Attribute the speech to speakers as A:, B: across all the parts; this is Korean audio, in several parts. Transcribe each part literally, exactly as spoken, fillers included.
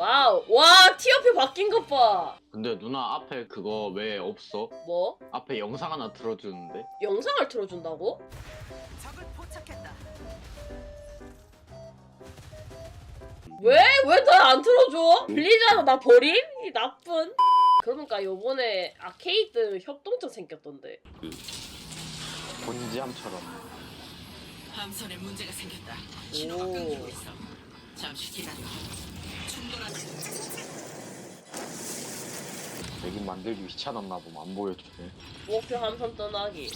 A: 와우. 와, 티어표 바뀐 것 봐.
B: 근데 누나 앞에 그거 왜 없어?
A: 뭐?
B: 앞에 영상 하나 틀어주는데?
A: 영상을 틀어준다고?
C: 적을 포착했다.
A: 왜? 왜 나 안 틀어줘? 빌리잖아, 나 버림? 이 나쁜. 그러니까 요번에 아케이드 협동조 생겼던데.
B: 그 본지함처럼.
C: 함선에 문제가 생겼다.
A: 오.
C: 신호가 끊기고 있어. 잠시 기다려. 충돌하지.
B: 내긴 만들기 귀찮았나 보면 안 보여주네.
A: 목표 함선 떠나기.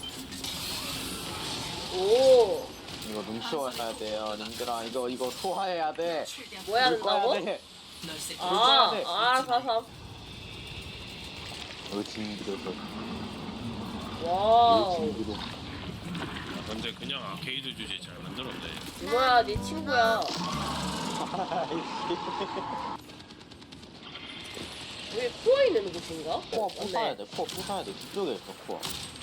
A: 오.
B: 이거 눈치워야 돼요, 님들아. 이거 이거 소화해야 돼.
C: 최대한
A: 뭐 해야 된다고?
B: 돼.
C: 널 세.
A: 아,
B: 돼.
A: 아, 알았어, 알았어.
B: 의심기로서.
A: 와우.
B: 의심기로.
D: 근데 그냥 아케이드 주제 잘 만들었네.
A: 이모야, 네 친구야. 여기 코어 있는 곳인가?
B: 코어
A: 어,
B: 부숴야
A: 맞네.
B: 돼. 코어 부숴야 돼. 뒤쪽에 있어 코어.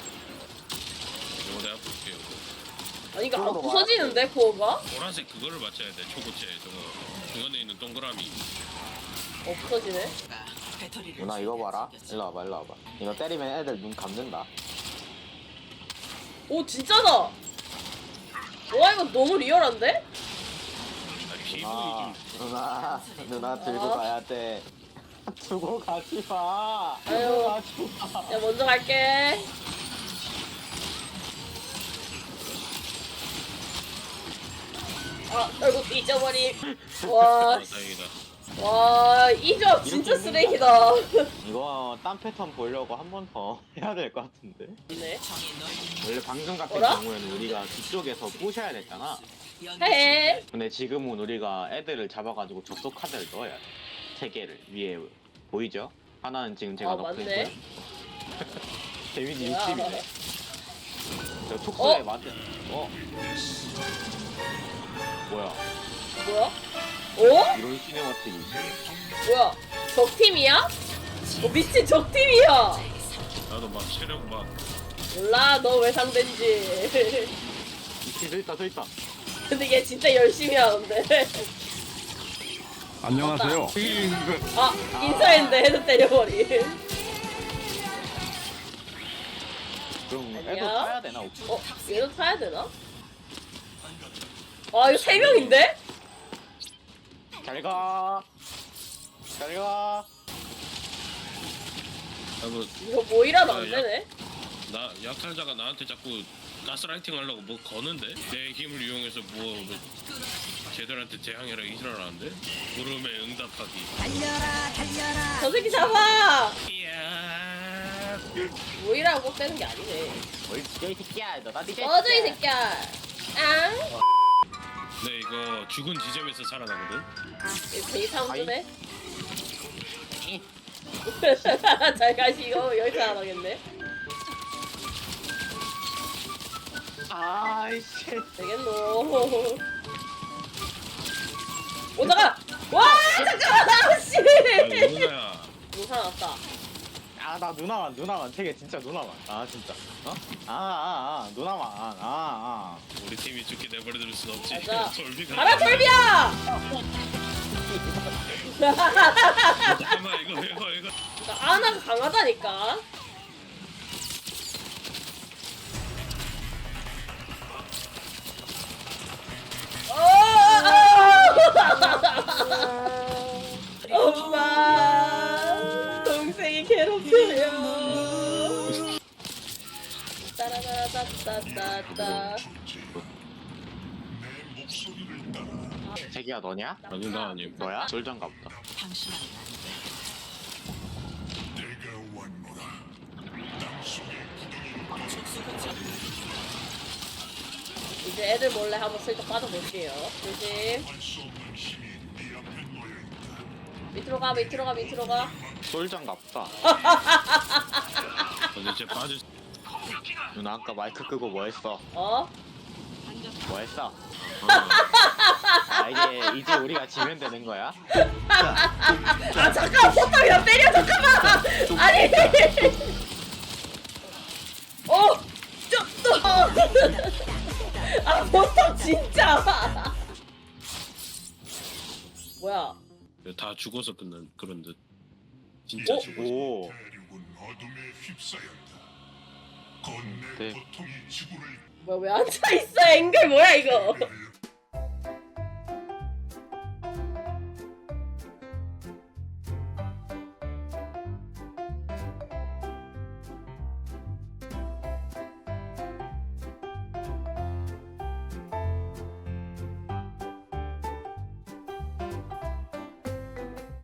D: 이거 내가 볼게요.
A: 아니, 이거 안
B: 코어로
A: 부서지는데, 코어가?
D: 보라색 그거를 맞춰야 돼. 초고체 저거. 중간에 있는 동그라미.
A: 어, 부서지네.
C: 배터리를
B: 누나 이거 봐라.
C: 생겼어.
B: 일로 와봐, 일로 와봐. 이거 때리면 애들 눈 감는다.
A: 오, 진짜다! 와, 이거 너무 리얼한데?
D: 아, 피부
B: 아,
D: 좀.
B: 누나, 누나 들고
A: 아.
B: 가야 돼. 두고 가지 마.
A: 아유.
B: 두고 가지 마.
A: 야, 먼저 갈게. 아, 결국 잊어버림. 와,
D: 아, 다행이다.
A: 와, 이 조합 진짜 쓰레기다.
B: 이거 딴 패턴 보려고 한 번 더 해야 될 것 같은데.
A: 네.
C: 정의 널
B: 원래 방금 같은
A: 어라?
B: 경우에는 우리가 뒤쪽에서 부셔야 됐잖아.
A: 헤헤.
B: 근데 지금은 우리가 애들을 잡아가지고 접속 카드를 넣어야 돼. 세 개를 위에 보이죠? 하나는 지금 제가
A: 아,
B: 넣고
A: 맞네.
B: 있고요. 데미지
A: 뭐야.
B: 육십이네. 저 촉수에
A: 어?
B: 맞은. 어? 뭐야?
A: 뭐야? 어?
B: 이런 시네마틱이 있어.
A: 뭐야? 적팀이야? 어, 미친 적팀이야!
D: 나도 막 체력 막.
A: 몰라, 너 왜 상대인지.
B: 이치 서 있다 서 있다.
A: 근데 얘 진짜 열심히 하는데.
E: 안녕하세요.
A: 아, 인사했는데 헤드 때려버림.
B: 그럼
A: 아니야?
B: 애도 타야 되나 혹시?
A: 어, 얘도 타야 되나? 아, 이거 세 명인데?
B: 잘 가. 잘 가.
D: 나도
A: 이거 모이라도 안 되네?
D: 나 약탈자가 나한테 자꾸 가스라이팅 하려고 뭐 거는데 내 힘을 이용해서 뭐, 뭐 쟤들한테 대항해라 이지랄하는데 물음에 응답하기.
C: 달려라 달려라.
A: 저 새끼 잡아!
D: 이야.
A: 모이라고 꼭 되는 게 아니네.
B: 어이 진짜 이 새끼야. 너 나한테
A: 꺼져, 이 새끼야! 앙!
D: 네 이거 죽은 지점에서 살아나거든.
A: 이거 되게 사운드네? 잘 가시고 여기서 안 하겠네?
B: 아이씨.
A: 되겠노. 오다가! 와! 잠깐만! 씨!
D: 아, 누나야.
A: 뭐 살아났다.
B: 아 나 누나만 누나만 되게 진짜 누나만. 아 진짜. 어? 아아아 아, 누나만. 아 아.
D: 우리 팀이 죽게 내버려둘 순 없지.
A: 맞아.
D: 돌비가.
A: 가라, 돌비야!
D: 잠깐만 이거 이거 이거.
A: 아나가 강하다니까? 어! 엄마! 동생이 괴롭혀요. 따라라따따따따.
B: 자기야 너냐?
D: 아니 나 아님.
B: 너야? 솔전가 보다.
C: 당신은
A: 이제 애들 몰래 한번 슬쩍 빠져볼게요. 조심. 밑으로 가, 밑으로 가, 밑으로 가.
B: 솔전가 보다.
D: 근데 쟤 빠질.
B: 누나 아까 마이크 끄고 뭐 했어?
A: 어?
B: 뭐 했어? 아 이제 이제 우리가 지면 되는 거야?
A: 아 잠깐 포탑이랑 때려 잠깐만. 아니. 어. 좀 또. 아 포탑 진짜. 뭐야?
D: 다 죽어서 끝난 그런 듯. 진짜
A: 어?
D: 죽어.
B: 오.
E: 대륙은 어둠에 휩싸였다. 건내
B: 네.
E: 고통이 지구를
A: 뭐야 왜 앉아있어 앵글 뭐야 이거.